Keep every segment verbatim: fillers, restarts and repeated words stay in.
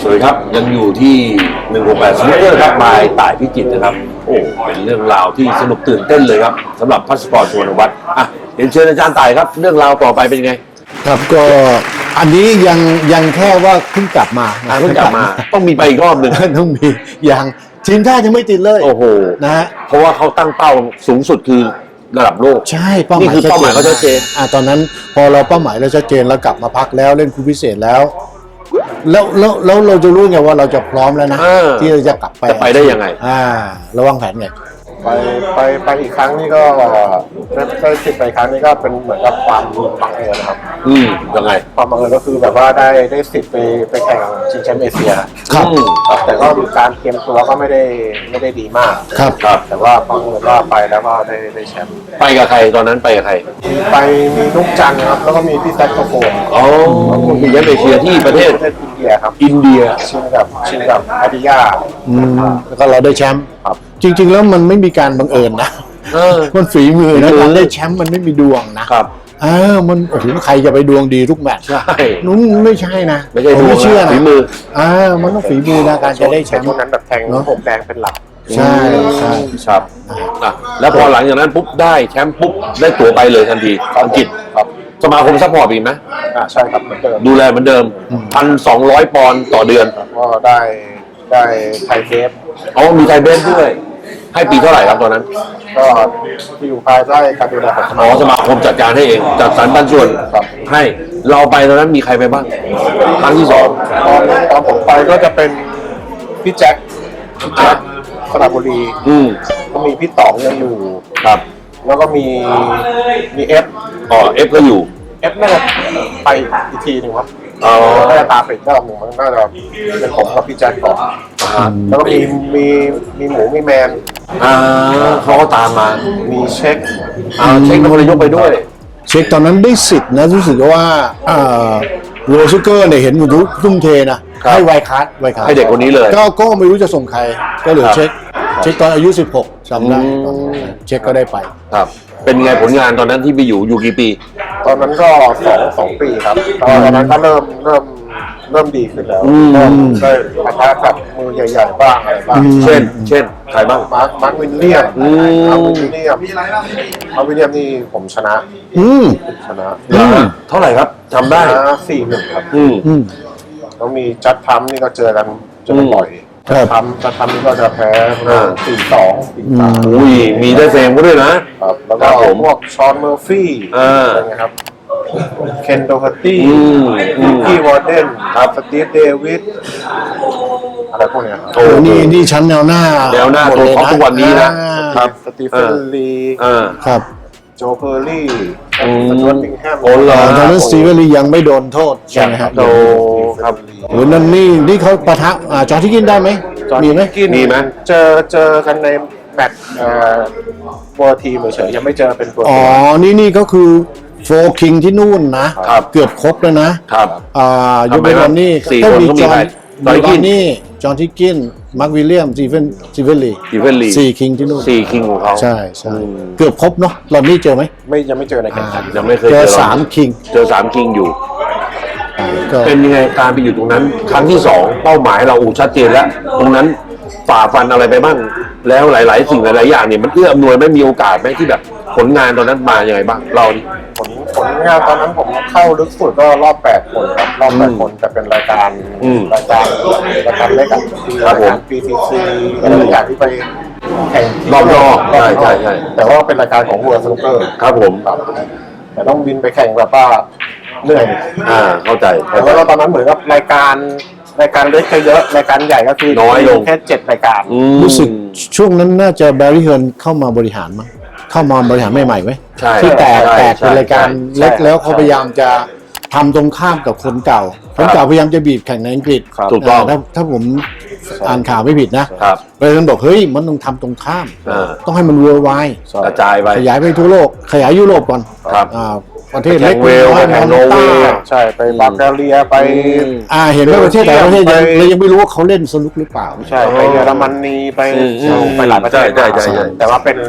สวัสดีครับยังอยู่ที่หนึ่งหกแปดสนุกเกอร์ครับบายต่ายพิจิตรนะครับโอ้เป็นเรื่องราวที่สนุกตื่นเต้นเลยครับสำหรับพาสปอร์ตสุวรรณวัฒน์อ่ะเรียนเชิญอาจารย์ต่ายครับเรื่องราวต่อไปเป็นยังไงครับก็อันนี้ยังยังแค่ว่าเพิ่งกลับมาเพิ่งกลับมาต้องมีไปอีกรอบหนึ่งต้องมีอย่างทีมชาติยังไม่ติดเลยโอ้โหนะฮะเพราะว่าเขาตั้งเป้าสูงสุดคือระดับโลกใช่เป้าหมายนี่คือเป้าหมายเขาชัดเจนอ่าตอนนั้นพอเราเป้าหมายเราชัดเจนแล้วกลับมาพักแล้วเล่นคู่พิเศษแล้วแล้วแล้วแล้วเราจะรู้ไงว่าเราจะพร้อมแล้วนะที่เราจะกลับไปจะไปได้ยังไงอ่าระวังแผนไงไปไปไปอีกครั้งนี่ก็ได้ติดไปครั้งนี้ก็เป็นเหมือนกับความบังเอิญนะครับอืมยังไงความบังเอิญก็คือแบบว่าได้ได้สิทธิ์ไปไปแข่งชิงแชมป์เอเชียครับแต่ก็การเตรียมตัวก็ไม่ได้ไม่ได้ดีมากครับครับแต่ว่าบังเอิญว่าไปแล้วก็ได้ได้แชมป์ไปกับใครตอนนั้นไปกับใครไปมีนุกจันครับแล้วก็มีพี่แซคโซโฟนอ๋อมีแชมป์เอเชียที่ประเทศประเทศอินเดียครับอินเดียชิงกับชิงกับอาดิยาอืมแล้วก็เราได้แชมป์ครับจริงๆแล้วมันไม่มีการบังเอิญนะมันฝีมือนะการได้แชมป์มันไม่มีดวงนะครับเออมันโอ้โหใครจะไปดวงดีทุกแมตช์ใช่นู้นไม่ใช่นะไม่ใช่ดวงไม่เชื่อนะฝีมืออ่ามันต้องฝีมือนะการจะได้แชมป์ช่วงนั้นแบบแทงผมแดงเป็นหลักใช่ใช่ครับนะแล้วพอหลังจากนั้นปุ๊บได้แชมป์ปุ๊บได้ตั๋วไปเลยทันทีอังกฤษครับสมาคมซัพพอร์ตอีกไหมอ่าใช่ครับเหมือนเดิมดูแลเหมือนเดิมพันสองร้อยปอนด์ต่อเดือนก็ได้ได้ไทยเบฟอ๋อมีไทยเบฟด้วยให้ปีเท่าไหร่ครับตอนนั้นก็อยู่ภายใต้การดูแลของสมาคมอ๋อสมาคมจัดการให้เองจัดสรรปันส่วนให้เราไปตอนนั้นมีใครไปบ้างครั้งที่สองตอนตอนผมไปก็จะเป็นพี่แจ็คพี่แจ็คสระบุรีอืมก็มีพี่ต๋องยังอยู่ครับแล้วก็มีมีเอฟอ๋อเอฟก็อยู่เอฟน่าจะไปอีกทีหนึ่งครับอ๋อน่าจะตามไปอีกรอบหนึ่งมันน่าจะเป็นผมกับพี่แจ็คก่อนแล้วก็มีมีมีหมูมีแมนอ่าเขาก็ตามมามีเช็คอ่าเช็คเป็นคนยกไปด้วยเช็คตอนนั้นได้สิทธิ์นะรู้สึกว่าอ่าโรซูเกอร์เนี่ยเห็นมุทุทุ่มเทนะให้ไวคัสไวคัสให้เด็กคนนี้เลยก็ก็ไม่รู้จะส่งใครก็เหลือเช็คเช็คตอนอายุสิบหกจำได้เช็คก็ได้ไปครับเป็นไงผลงานตอนนั้นที่ไปอยู่อยู่กี่ปีตอนนั้นก็สองสองปีครับตอนนั้นก็เริ่มเริ่มเริ่มดีขึ้นแล้วเริ่มได้ปะทะกับมือใหญ่ๆบ้างอะไรบ้างเช่นเช่นใครบ้างมาร์คมาร์ควินเลียมมาร์ควินเลียมมาร์ควินเลียมนี่ผมชนะอืมชนะเท่าไหร่ครับจำได้สี่หนึ่งครับอืมแล้วมีจัดทัมนี่ก็เจอกันเจอกันบ่อยจัดทัมจัดทัมนี่ก็จะแพ้สี่สองสี่สามอุ้ยมีได้เฟรมก็ด้วยนะครับแล้วก็พวกชอนเมอร์ฟี่อะไรเงี้ยครับเคนโดฮัตตี้นิกกี้วอร์เดนครับสตีฟเดวิดอะไรพวกเนี้ยโอ้นี่นี่ชั้นแนวหน้าแนวหน้าตัวเขาทุกวันนี้นะครับสตีเฟนลีครับโจเพอร์ลี่สจวตติงแฮมโอ้โหตอนนั้นสตีเฟนลียังไม่โดนโทษใช่ไหมครับโดครับโอ้นั่นนี่นี่เขาปะทะจอร์ที่กินได้ไหมมีไหมมีไหมเจอเจอกันในแมตช์ตัวทีมเฉยยังไม่เจอเป็นตัวอ๋อนี่นี่ก็คือโฟคิงที่นู่นนะเกือบครบแล้วนะครับอ่ายูเบรอนนี่ต้องมีจอห์นจอห์นกินนี่จอห์นทิกกินมาร์ควิลเลียมซีเฟนซีเฟนลีซีเฟนลีสี่คิงที่นู่นสี่คิงของเขาใช่ใช่เกือบครบเนาะรอบนี้เจอไหมไม่ยังไม่เจอในแข่งขันยังไม่เคยเจอสามคิงเจอสามคิงอยู่เป็นยังไงการไปอยู่ตรงนั้นครั้งที่สองเป้าหมายเราอูชัดเจนแล้วตรงนั้นฝ่าฟันอะไรไปบ้างแล้วหลายๆสิ่งหลายๆอย่างเนี่ยมันเอื้ออำนวยไม่มีโอกาสไหมที่แบบผลงานตอนนั้นมาอย่างไรบ้างเราดิผลผลงานตอนนั้นผมเข้าลึกสุดก็รอบแปดคนครับรอบแปดคนแต่เป็นรายการรายการรายการเล็กอ่ะรายการ พี ที ซี อะไรอย่างที่ไปแข่งรอบนอกใช่ใช่ใช่แต่ว่าเป็นรายการของWorld Snooker ครับผมแต่ต้องบินไปแข่งแบบว่าเหนื่อยอ่าเข้าใจแต่ว่าตอนนั้นเหมือนกับรายการรายการเล็กเยอะรายการใหญ่ก็คือน้อยลงแค่เจ็ดรายการรู้สึกช่วงนั้นน่าจะแบร์รี่เฮิร์นเข้ามาบริหารมั้งเข้ามาบริหารใหม่ๆไหมที่แตกแตกเป็นรายการเล็กแล้วเขาพยายามจะทำตรงข้ามกับคนเก่าคนเก่าพยายามจะบีบแข่งในอังกฤษถูกต้องถ้าถ้าผมอ่านข่าวไม่ผิดนะบริหารบอกเฮ้ยมันต้องทำตรงข้ามต้องให้มันเวิร์ลไวด์กระจายไปขยายไปทั่วโลกขยายยุโรปก่อนประเทศเล็กเวลไปโนเวย์ใช่ไปบัลแกเรียไปอ่าเห็นว่าประเทศแต่ละประเทศยังเรายังไม่รู้ว่าเขาเล่นสนุกหรือเปล่าใช่ไปเยอรมนีไปไปหลายประเทศแต่ว่าเป็น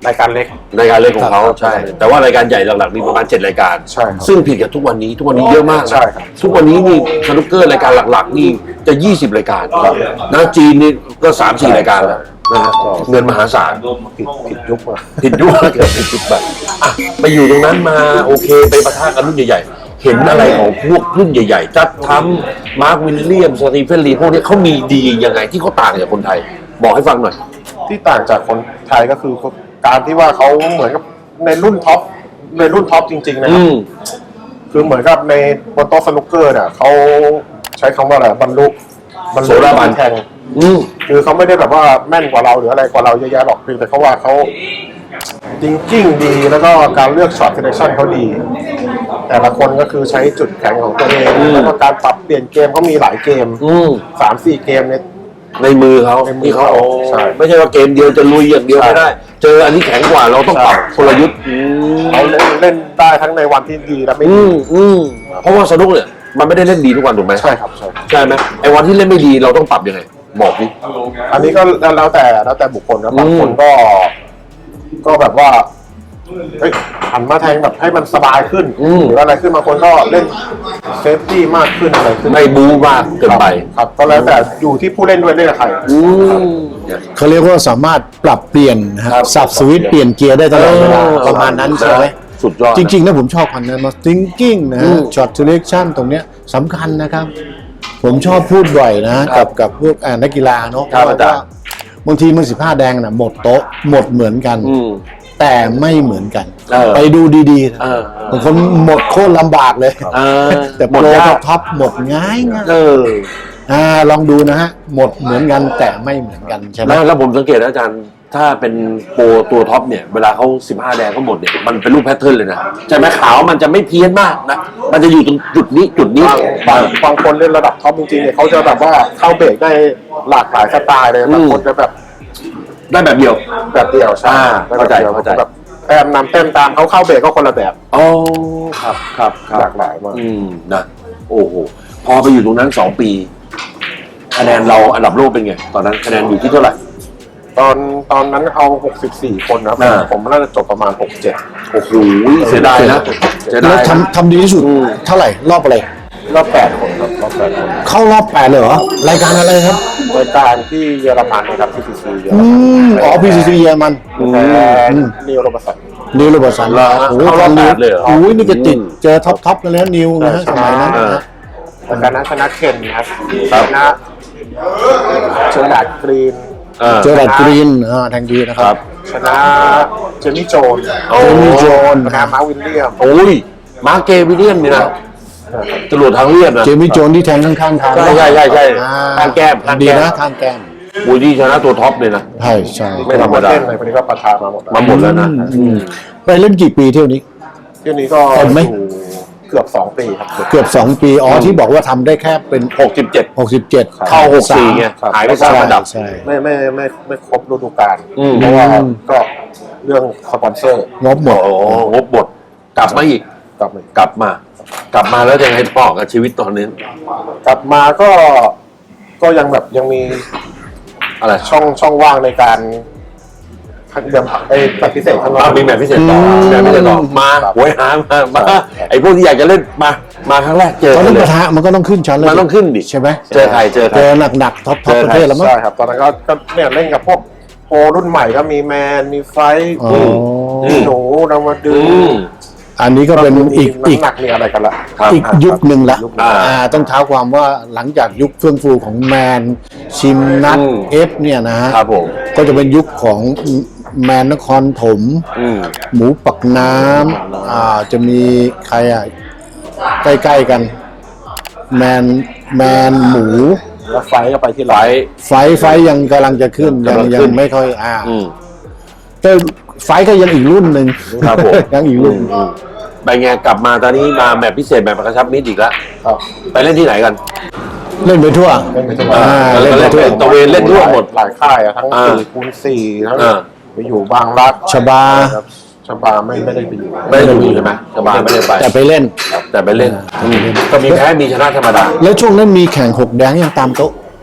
รายการเล็กรายการเล็กของเขาใช่ แต่ว่ารายการใหญ่หลักๆมีประมาณเจ็ดรายการใช่ครับซึ่งผิดกับทุกวันนี้ทุกวันนี้เยอะมากนะใช่ครับทุกวันนี้นี่สนุกเกอร์รายการหลักๆนี่จะยี่สิบรายการนะจีนนี่ก็สามสี่รายการแล้วนะฮะเงินมหาศาลผิดผิดยุคอะผิดยุคเกิดผิดยุคแบบอ่ะไปอยู่ตรงนั้นมาโอเคไปประทะกันรุ่นใหญ่ๆ เห็นอะไรของพวกรุ่นใหญ่ๆจัดทำมาร์ควิลเลียมสตีเฟนลีพวกนี้เขามีดียังไงที่เขาต่างจากคนไทย บอกให้ฟังหน่อยที่ต่างจากคนไทยก็คือการที่ว่าเขาเหมือนกับในรุ่นท็อปในรุ่นท็อปจริงๆนะคอืรับมคือเหมือนกับในบนโต๊ะสนุกเกอร์เนี่ยเขาใช้คำว่าอะไรบรรลุบรรโสลุดาบันแข่งอืมคือเขาไม่ได้แบบว่าแม่นกว่าเราหรืออะไรกว่าเราเยอะแยะหรอกเพียงแต่เขาว่าเขาจริงๆดีแล้วก็การเลือกช็อตเซเลคชั่นเขาดี แต่ละคนก็คือใช้จุดแข็งของตัวเองแล้วก็การปรับเปลี่ยนเกมเขามีหลายเกมอืมสามสี่เกมเนี่ยในมือเขาในมือที่เขาเขาเอาใช่ไม่ใช่ว่าเกมเดียวจะลุยอย่างเดียวใช่ไม่ได้ เจออันนี้แข็งกว่าเราต้องปรับกลยุทธ์อืมเขาเล่นเล่นได้ทั้งในวันที่ดีและไม่อืดีมอืมเพราะว่าสนุกเนี่ยมันไม่ได้เล่นดีทุกวันถูกไหมใช่ครับใช่ครับใช่ไหมไอ้วันที่เล่นไม่ดีเราต้องปรับยังไงบอกดิอันนี้ก็แล้วแต่แล้วแต่บุคคลนะบางคนก็ ก็แบบว่าเฮ้ยหันมาแทงแบบให้มันสบายขึ้นหรืออะไรขึ้นบางคนก็เล่นเซฟตี้มากขึ้นอะไรขึ้นไม่บู๊มากเกินไปครับก็แล้วแต่อยู่ที่ผู้เล่นด้วยเล่นกับใครอืมเขาเรียกว่าสามารถปรับเปลี่ยนนะคครัรับบ สับสวิตช์เปลี่ยนเกียร์ได้ตลอดเวลาเออประมาณนั้นใช่ไหมสุดยอดนะจริงๆนะผมชอบคันนั้นมา thinking นะอืฮะม shot selection ตรงเนี้ยสำคัญนะครับ ผมชอบพูดบ่อยนะครักับบ กับพวกอ่านักกีฬาเนาะครับว่าอาจารย์บางทีมันสิบห้าแดงนะหมดโต๊ะหมดเหมือนกันอืมแต่ไม่เหมือนกันเออไปดูดีๆนะเออบางคนหมดโคตรลำบากเลยเออแต่หโปมดรยากท็อปหมดง่ายง่ายเอออ่าลองดูนะฮะ หมดเหมือนกันแต่ไม่เหมือนกันใช่ไหมแล้วแล้วผมสังเกตนะอาจารย์ ถ้าเป็นโปรตัวท็อปเนี่ย เวลาเขาสิบห้าแดงเขาหมดเนี่ย มันเป็นรูปแพทเทิร์นเลยนะใช่ไหมขาวมันจะไม่เพี้ยนมากนะ มันจะอยู่ตรงจุดนี้จุดนี้บางบางบางคนเล่นระดับท็อปจริงๆเนี่ยเขาจะแบบว่าเข้าเบรกได้หลากหลายสไตล์เลยบางคนจะแบบได้แบบเดียวแบบเดียวใช่อ่าแบบเข้าใจดียวเข้าใจแบบแต้มนำแต้มตามเขาเข้าเบรกก็คนละแบบอ๋อครับครับคหรัลาบกหลายมากอืมนะโอ้โหพอไปอยู่ตรงนั้นสองปี คะแนนเราอันดับโลกเป็นไง ตอนนั้นคะแนนอยู่ที่เท่าไหร่ตอนตอนนั้นเอาหกสิบสี่คนนะครับอ่าผมน่าจะจบประมาณหกเจ็ดโอ้โหเสียดายนะเสียแล้ดาวยนะทำทำดีที่สุดอืมเท่าไหร่ รอบอะไรรอบแปดคนครับรอบแปดคนเข้ารอบแปดเลยเหรอ รายการอะไรครับรายการที่เยอรมันนะครับที่ซีซีเยอรอืมันมอ๋อ พี ซี ซี เยอรมันแพ้อืมนิวโรบสันนิวโรเบอร์สันเหรอฮะโอ้โหเข้ารอบแปดเลยเหรอโอ้ยนี่จะติดเจอท็อปท็อปกันแล้วนิวนะฮะสมัยนั้นเออนะรายการนั้นชนะเคนครับครัชบนะเชอร์ดาร์ดกรีนเออเจอแดดกรีนอ่าแทงดีนะคครัรับ บชนะเจมี่โจนโอ้เจมี่โจนชนะมาร์ควิลเลียมโอ้ยมาร์เกวิลเลียมนี่นะจรวดทางเลียบนะเจมี่โจนที่แทงข้างๆทางใช่ใช่ใช่ใช่อ่ข้างแก้มข้างแก้มดีนะข้างแก้มบูดี้ชนะตัวท็อปเลยนะใช่ใช่ไม่ธรรมดาเล่นในคนนี้ก็ประทานมาหมดแล้วมาหมดแล้วนะอืมไปเล่นกี่ปีเที่ยวนี้เที่ยวนี้ก็เต็มไหมอยู่เกือบสองปีครับเกือบสองปี อ๋อที่บอกว่าทำได้แค่เป็นหกสิบเจ็ดหกสิบเจ็ดเข้าหกสี่ไงหายไปสามอันดับใช่ไม่ไม่ไม่ไม่ครบฤดูกาลอืมเพราะว่าก็เรื่องสปอนเซอร์งบหมดโอ้โหงบหมดกลับมาอีกกลับมากลับมา กลับมาแล้วยังไงต่อกับชีวิตตอนนี้กลับมาก็ก็ยังแบบยังมีอะไรช่องช่องว่างในการเดือนไอ้แบบพิเศษข้างนอกอ่ะมีแบบพิเศษต่ออืมแบบพิเศษต่อมาครับหวยหามามาครับไอ้พวกที่อยากจะเล่นมา มาครั้งแรกเจอตอนกันั้น นเลปยระทะมันก็ต้องขึ้นชั้นเลยมันต้องขึ้นดิใช่ไหมเจอใครเจอใครเจอหนักๆท็อปท็อปเจอประใครเทศแล้วมั้งใช่ครับตอนนั้นก็ก็เนี่ยเล่นกับพวกโปรรุ่นใหม่ก็มีแมนมีไฟท์อ๋อมีหนูนามาดูอืมอันนี้ก็เป็นอีกอีกน้ำหนักเนี่ยอะไรกันละครับอีกยุคหนึ่งละยุคหนึ่งอ่าอ่าต้องเท้าความว่าหลังจากยุคเฟื่องฟูของแมนชิมนัทอืมเอฟเนี่ยนะฮะครับผมก็จะเป็นยุคของแมนนครถมอืมหมูปักน้ำอ่าจะมีใครอ่ะ ใกล้ๆกัน แมนแมนหมูแล้วไฟท์ก็ไปที่ไฟไลท์ไฟท์ไฟท์ยังกำลังจะขึ้น ยังกำลังยัขึ้งนไม่ค่อยอ่าอืมแต่ไฟท์ก็ยังอีกรุ่นหนึ่งครับผมยังอีกรุ่นอืมไปไงกลับมาตอนนี้มาแบบพิเศษแบบกระชับมิตรอีกแล้วครับไปเล่นที่ไหนกันเล่นไปทั่วเล่นไปทั่วอ่าเล่นไปทั่วตะเวนเล่นทั่วหมดหลายค่ายอะทั้งอ่าสี่คูณสี่ทั้งอ่าไปอยู่บางรักชบาครับชบาไม่ไม่ได้ไปอยู่ไม่ได้ดูใช่ไหมสบายไม่ได้ไปแต่ไปเล่นแต่ไปเล่นอืมก็มีแพ้มีชนะธรรมดาแล้วช่วงนั้นมีแข่งหกแดงยังตามโต๊ะมียัง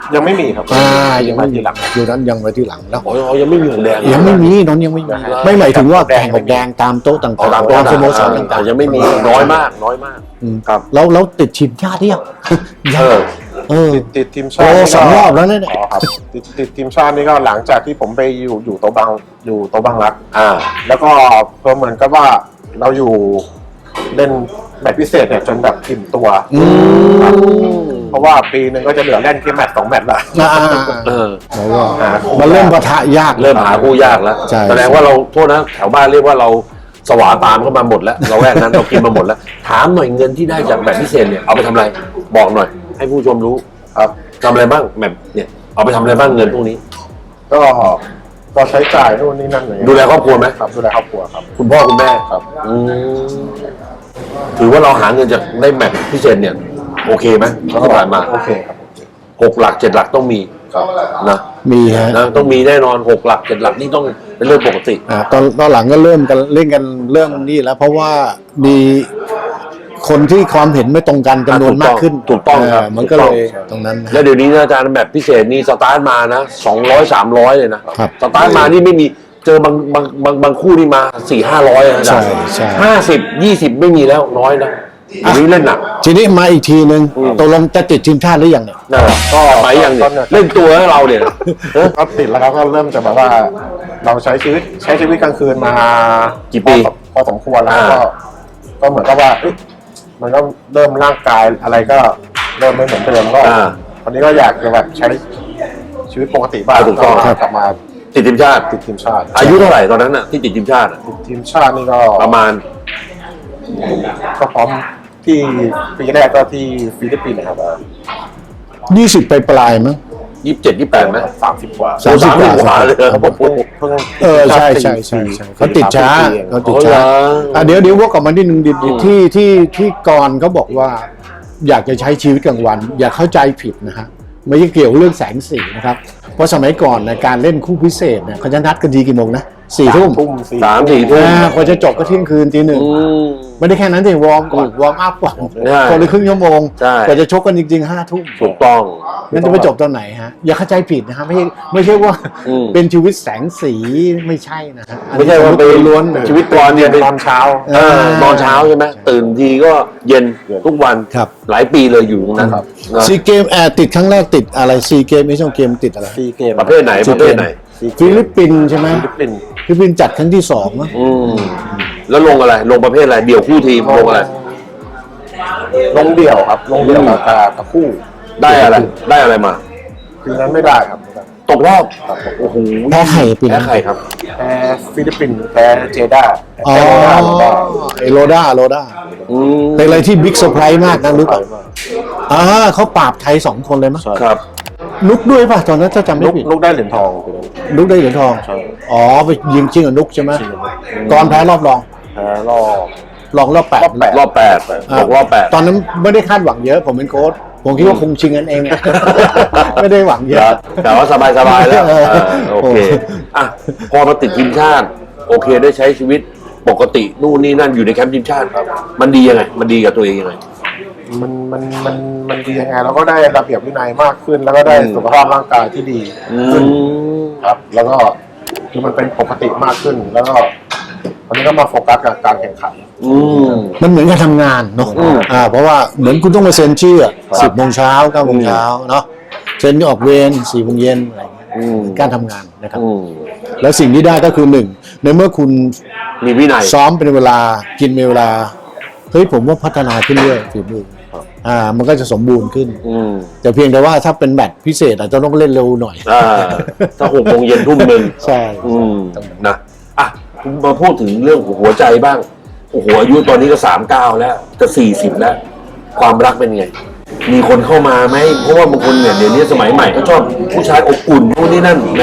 ยังไม่มีครับอ่ายังไม่ทีมีหลังอยู่นั้นยังไว้ที่หลังแล้วอ๋อยังไม่มีหงแดงยังไม่มีน้องยังไม่มีไม่หมายถึงว่าแข่งกับแดงตามโต๊ะต่างอ๋อตามๆโต๊ะตามสโมสรต่างๆต่างยังไม่มีน้อยมากน้อยมากๆอืมครับแล้วแล้วติดทีมชาติยังเออเออติดติดทีมชาโอ้ตินี่ก็สองรอบแล้วเนี่ยอ๋อครับติดติดทีมชาตินี่ก็หลังจากที่ผมไปอยู่อยู่โตะบังอยู่โตะบังรักอ่าแล้วก็เพิ่มเหมือนกับว่าเราอยู่เล่นแมตช์พิเศษเนี่ยจนแบบอิ่มตัวอืมเพราะว่าปีหนึ่งก็จะเหลือเล่นแค่แมตช์สองแมตช์ละอ่าเออแล้วก็มันเริ่มปะทะยากเริ่มหาคู่ยากแล้วใช่แสดงว่าเราโทษนะแถวบ้านเรียกว่าเราสวาตามเข้ามาหมดแล้ว เราแวกนั้นเรากินมาหมดแล้ว ถามหน่อยเงินที่ได้จากแบบพิเศษเนี่ยเอาไปทำอะไรบอกหน่อย ให้ผู้ชมรู้ครับทำอะไรบ้างแบบเนี่ยเอาไปทำอะไรบ้างเงินพวกนี้ก็ก็ใช้จ่ายนู่นนี่นั่นอะไรเงี้ยดูแลครอบครัวไหมครับดูแลครอบครัวครับคุณพ่อคุณแม่ครับอืมถือว่าเราหาเงินจากได้แมตช์พิเศษเนี่ยโอเคไหมที่ผ่านมาโอเคครับหกหลักเจ็ดหลักต้องมีครับนะมีฮะนะต้องมีแน่นอนหกหลักเจ็ดหลักนี่ต้องเป็นเรื่องปกติอ่าตอนตอนหลังก็เริ่มกันเล่นกันเรื่องนี้แล้ว เพราะว่ามีคนที่ความเห็นไม่ตรงกันจำนวนมากขึ้นถูกต้องครับเมันก็เลยตรงนั้นนะแล้วเดี๋ยวนี้นะอาจารย์แบบพิเศษนี่สตาร์ทมานะสองร้อยสามร้อยเลยนะครับ สตาร์ทมานี่ไม่มีเจอบางบางบางบางคู่นี่มาสี่ห้าร้อยนะอาจารย์ใช่ใช่ห้าสิบยี่สิบไม่มีแล้วน้อยนะเดี๋ยวนี้เล่นหนักทีนี้มาอีกทีนึงอืมตกลงจะติดทีมชาติหรือยังเนี่ยนะก็ไปยังเนี่ยเล่นตัวให้เราเนี่ยเออก็ติดแล้วครับก็เริ่มจะแบบว่า เราใช้ชีวิตใช้ชีวิตกลางคืนมากี่ปีพอพอสมควรแล้วอ่าก็ก็เหมือนกับว่าเอ๊ะมันก็เริ่มร่างกายอะไรก็เริ่มไม่เหมือนเดิมก็อ่าวันนี้ก็อยากจะแบบใช้ชีวิตปกติบ้างถูกต้องกลับมาติดทีมชาติติดทีมชาติอายุเท่าไหร่ตอนนั้นน่ะที่ติดทีมชาติอะติดทีมชาตินี่ก็ประมาณก็พร้อมที่ปีแรกก็ที่ฟิลิปปินส์นะครับยี่สิบไปปลายๆมั้งยี่สิบเจ็ดยี่สิบแปดไหมสามสิบกว่าสามสิบโอ้กว่าเลยเหรอผมเพิ่งเพิ่งเออใช่ใช่ใช่ใช่เขาติดช้าเขาติดช้าอ๋อเหรออ่ะเดี๋ยวเดี๋ยววกกลับมาที่หนึ่งดิอืมที่ที่ที่กรเขาบอกว่า อยากจะใช้ชีวิตกลางวัน อย่าเข้าใจผิดนะฮะไม่ใช่เกี่ยวเรื่องแสงสีนะครับ เพราะสมัยก่อนนะการเล่นคู่พิเศษเนี่ยเขาจะนัดกันดีกี่โมงนะสี่ทุ่มทุ่มสี่สามสี่ทุ่มอ่ากว่าจะจบก็เที่ยงคืนตีหนึ่งอืมไม่ได้แค่นั้นสิวอร์มก่อนวอร์มอัพก่อนใช่คนละครึ่งชั่วโมงใช่กว่าจะชกกันจริงๆห้าทุ่มถูกต้องงั้นจะไปจบตอนไหนฮะอย่าเข้าใจผิดนะฮะไม่ใช่ไม่ใช่ว่าอืมเป็นชีวิตแสงสีไม่ใช่นะฮะอันไม่นี้ใช่ว่าไปล้วนชีวิตก่อนเนี่ยเป็นตอนเช้าเออนอนเช้าใช่ไหมตื่นทีก็เย็นทุกวันครับหลายปีเลยอยู่ตรงนั้นครับนะซีเกมแอร์ติดครั้งแรกติดอะไรซีเกมไม่ใช่เกมติดอะไรซีเกมประเภทไหนประเภทไหนฟิลิปปินส์ใช่ไหมฟิลิปปินส์ฟิลิปปินส์จัดครั้งที่สองมั้งอืมแล้วลงอะไร ลงประเภทอะไร เดี่ยวคู่ทีมลงอะไรลงเดี่ยวครับ ลงเดี่ยวกับกับคู่ได้อะไร ได้อะไรมาปีนั้นไม่ได้ครับไม่ได้ตกรอบโอ้โหแพ้ไข่ปีแพ้นั้นใครครับแพ้ฟิลิปปินส์แพ้เจด้าอ๋อแพ้โรนัลโดไอโรด้าโรด้าอืมเป็นอะไรที่บิ๊กเซอร์ไพรส์มากนะรู้ป่ะอ่าเขาปราบไทยสองคนเลยมั้งครับนุกด้วยป่ะตอนนั้นถ้าจำไม่ลูกผิดลูกได้เหรียญทองปีนั้นนุกได้เหรียญทองใช่อ๋อไปยิงชิงกับนุกใช่ไหมตอนแพ้รอบรองแพ้รอบรองรอบแปดรอบแปดรอบแปดตกรอบแปดตอนนั้นไม่ได้คาดหวังเยอะ ผมเป็นโค้ชผมคิดว่าคงชิงกันเองอะ ไม่ได้หวังเยคอะรับแต่ว่าสบายสบายๆแล้วเออเออโอเคอ่ะพอมาติดทีมชาติ โอเคได้ใช้ชีวิตปกตินู่นนี่นั่นอยู่ในแคมป์ทีมชาติครับ มันดียังไง มันดีกับตัวเองยังไงมันมันมันมันดียังไงเราก็ได้ระเบียบวินัยมากขึ้น แล้วก็ได้อืมสุขภาพร่างกายที่ดีอืขึ้นมครับ แล้วก็คือมันเป็นปกติมากขึ้น แล้วก็วันนี้ก็มาโฟกัสกับการแข่งขันอืมมันเหมือนการทำงานเนาะอืมอ่าเพราะว่าเหมือนคุณต้องมาเซ็นชื่อครับสิบโมงเช้าเก้าโมงเช้าเนาะเซ็นออกเวรสี่โมงเย็นอะไรอย่างเงี้ยอืมการทำงานนะครับอืมแล้วสิ่งที่ได้ก็คือหนึ่งในเมื่อคุณมีวินัยซ้อมเป็นเวลากินเป็นเวลาเฮ้ยผมว่าพัฒนาขึ้นเรื่อยฝีมืออ่ามันก็จะสมบูรณ์ขึ้นอืมแต่เพียงแต่ว่าถ้าเป็นแมตช์พิเศษอาจจะต้องเล่นเร็วหน่อยอ่าถ้าหกโมงเย็นทุ่มหนึ่งใช่อืมนะอ่ะมาพูดถึงเรื่องหัวใจบ้างโอ้โหอายุตอนนี้ก็สามเก้าแล้วจะสี่สิบแล้ว ความรักเป็นไง มีคนเข้ามาไหมเพราะว่าบางคนเนี่ยเดี๋ยวนี้สมัยใหม่ก็ชอบผู้ชายอบอุ่นนู่นนี่นั่นแมน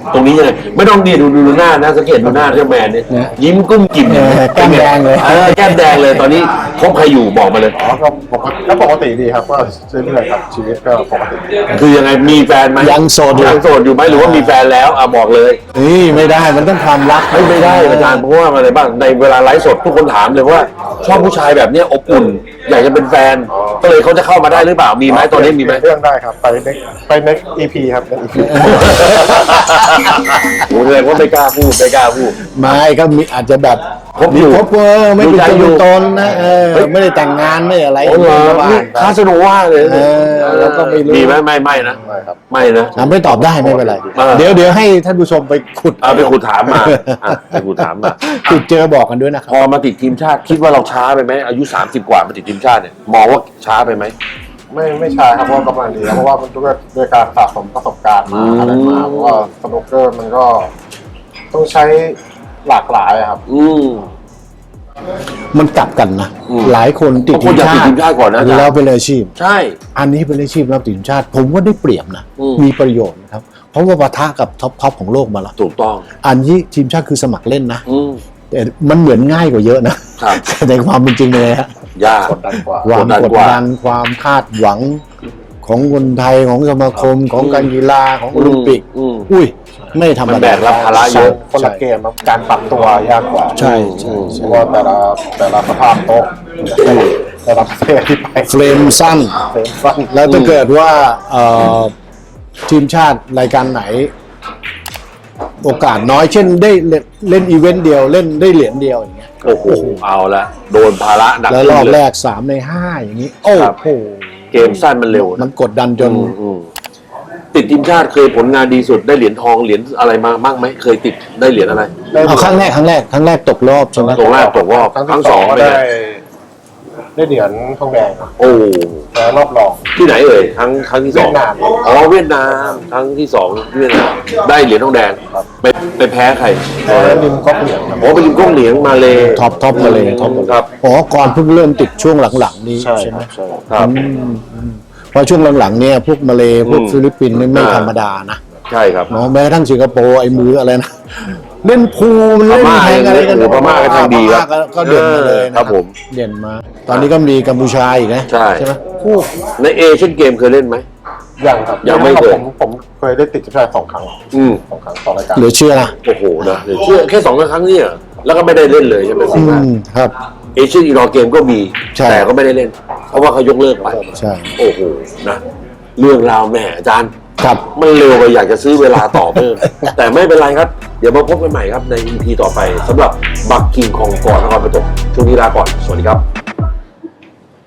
ตรงนี้ยังไงไม่ต้องนี่ดูดูหน้านะสังเกตดูหน้าเจ้าแมนเนี่ยยิ้มกุ้มกิ่มเออแก้มแดงเลยเออแก้มแดงเลยตอนนี้คบใครอยู่บอกมาเลยอ๋อก็ปกติก็ปกติดีครับก็เรื่อยๆครับชีวิตก็ปกติดีคือยังไงมีแฟนไหมยังโสดอยู่ยังโสดอยู่ไหมหรือว่ามีแฟนแล้วอ่ะบอกเลยนี่ไม่ได้มันต้องความรักไม่ไม่ได้อาจารย์เพราะว่าอะไรบ้างในเวลาไลฟ์สดทุกคนถามเลยว่าชอบผู้ชายแบบเนี้ยอบอุ่น อยากจะเป็นแฟน ก็เลยเขาจะเข้ามาได้หรือเปล่ามีไหมตอนนี้มีไหมเรื่องได้ครับไปเน็กไปเน็กอีพีครับเน็กอีพีโอ้เลยว่าไม่กล้าพูดไม่กล้าพูดไม่ก็มีอาจจะแบบคบอยู่คบเออไม่เป็นดูใจตัวอยู่เป็นตนนะเออเฮ้ยไม่ได้แต่งงานไม่อะไรโอ้โหก็ว่านี่คาสโนว่าเลยเออเราก็ไม่รู้มีไหมไม่ไม่นะไม่ครับไม่นะอ่ะไม่ตอบได้ไม่เป็นไรเออเดี๋ยวเดี๋ยวให้ท่านผู้ชมไปขุดเอาไปขุดถามมาอ่ะไปขุดถามมาขุดเจอบอกกันด้วยนะคพรับอมาติดทีมชาติคิดว่าเราช้าไปไหมอายุสามสิบกว่ามาติดทีมชาติเนี่ยมองว่าช้าไปไหมไม่ไม่ใช่ครับเพราะว่ากำลังดีครับเพราะว่ามันด้วยด้วยการสะสมประสบการณ์มาอะไรมาเพราะว่าสนุกเกอร์มันก็ต้องใช้หลากหลายอะครับอืมมันกลับกันนะอืมหลายคนติดบางคนอยากติดทีมชาติก่อนนะอาจารย์แล้วเป็นอาชีพใช่อันนี้เป็นอาชีพแล้วติดทีมชาติ ผมว่าได้เปรียบนะอืมมีประโยชน์นะครับ เพราะว่าปะทะกับท็อปท็อปของโลกมาแล้วถูกต้องอันนี้ทีมชาติคือสมัครเล่นนะอืมแต่มันเหมือนง่ายกว่าเยอะนะครับ แต่ในความเป็นจริงเลยฮะยากกดดันกว่าความกดดันกดกว่าดันความคาดหวังของคนไทยของสมาคมของการกีฬาของโอลิมปิกอืมอุ้ยไม่ธรรมมันแบดากรับภาระเยอะคนละเกมครับการปรับตัวยากกว่าใช่ใช่เพใช่ราะว่าแต่ละแต่ละสภาพโต๊ะแต่ละประเทศที่ไปเฟรมสั้นเฟรมสั้นแล้วถ้าเกิดว่าเอ่อทีมชาติรายการไหน โอกาสน้อยเช่นได้เล่นเล่นอีเวนต์เดียวเล่นได้เหรียญเดียวอย่างเงี้ยโอ้โหเอาละโดนภาระหนักแล้วรอบขึ้นแรเลยกสามในห้าอย่างนี้ โอ้ครับโหเกมสั้นมันเร็วมันะนกดดันจนอืมอืมติดทีมชาติเคยผลงานดีสุดได้เหรียญทองเหรียญอะไรมาบ้างไหมเคยติดได้เหรียญอะไรเอาครั้งแรกครั้งแรกครั้งแรกตกรอบใช่ไหมตกรอบตกรอบครั้งครั้งที่สสออง งก็เป็นได้ไงได้เหรียญทองแดงครับโอ้แต่รอบรองที่ไหนเอ่ยครั้งครั้งที่สองเวียดนามอ๋อเวียดนามครั้งที่สองเวียดนามได้เหรียญทองแดงไปไปแพ้ใครแต่ริมก๊อกเหรียญครับโอ้ไปริมก้องเหลียงมาเลยท็อปท็อปมาเลยท็อปมาเลยครับอ๋อก่อนเพิ่งเริ่มติดช่วงหลังๆนี้ใช่ใช่ไหมใช่ครับอืมอืมเพราะช่วงหลังๆเนี่ยพวกมาเลพวกอืมฟิลิปปินส์นี่ไม่อ่าธรรมดานะใช่ครับเนาะแม้กระทั่งสิงคโปร์ไอ้มืออะไรนะเล่นพูลมันเล่นพม่าแทงอะไรกันเออพม่าก็แทงดีครับพม่าก็เด่นมาเลยนะครับผมเด่นมา ตอนนี้ก็มีกัมพูชาอีกนะใช่ไหมคู่ในเอเชียนเกมเคยเล่นไหมยังครับยังไม่เคยผมผมเคยได้ติดทีมชาติสองครั้งอืมสองครั้งต่อรายการเหลือเชื่อนะโอ้โหนะเดี๋ยวเชื่อแค่สองครั้งเนี่ยแล้วก็ไม่ได้เล่นเลยใช่ไหมอืสิงห์มครับเอเชียนอีรอเกมก็มีใช่แต่ก็ไม่ได้เล่น เพราะว่าเขายกเลิกไปใช่โอ้โหนะเรื่องราวแหมอาจารย์ครับมันเร็วไปอยากจะซื้อเวลาต่อเพิ่ม แต่ไม่เป็นไรครับ เดี๋ยวมาพบกันใหม่ครับใน อี พี ต่อไปสำหรับบักกิ่งของก่อนนครปฐมช่วงนี้ลาก่อน สวัสดีครับ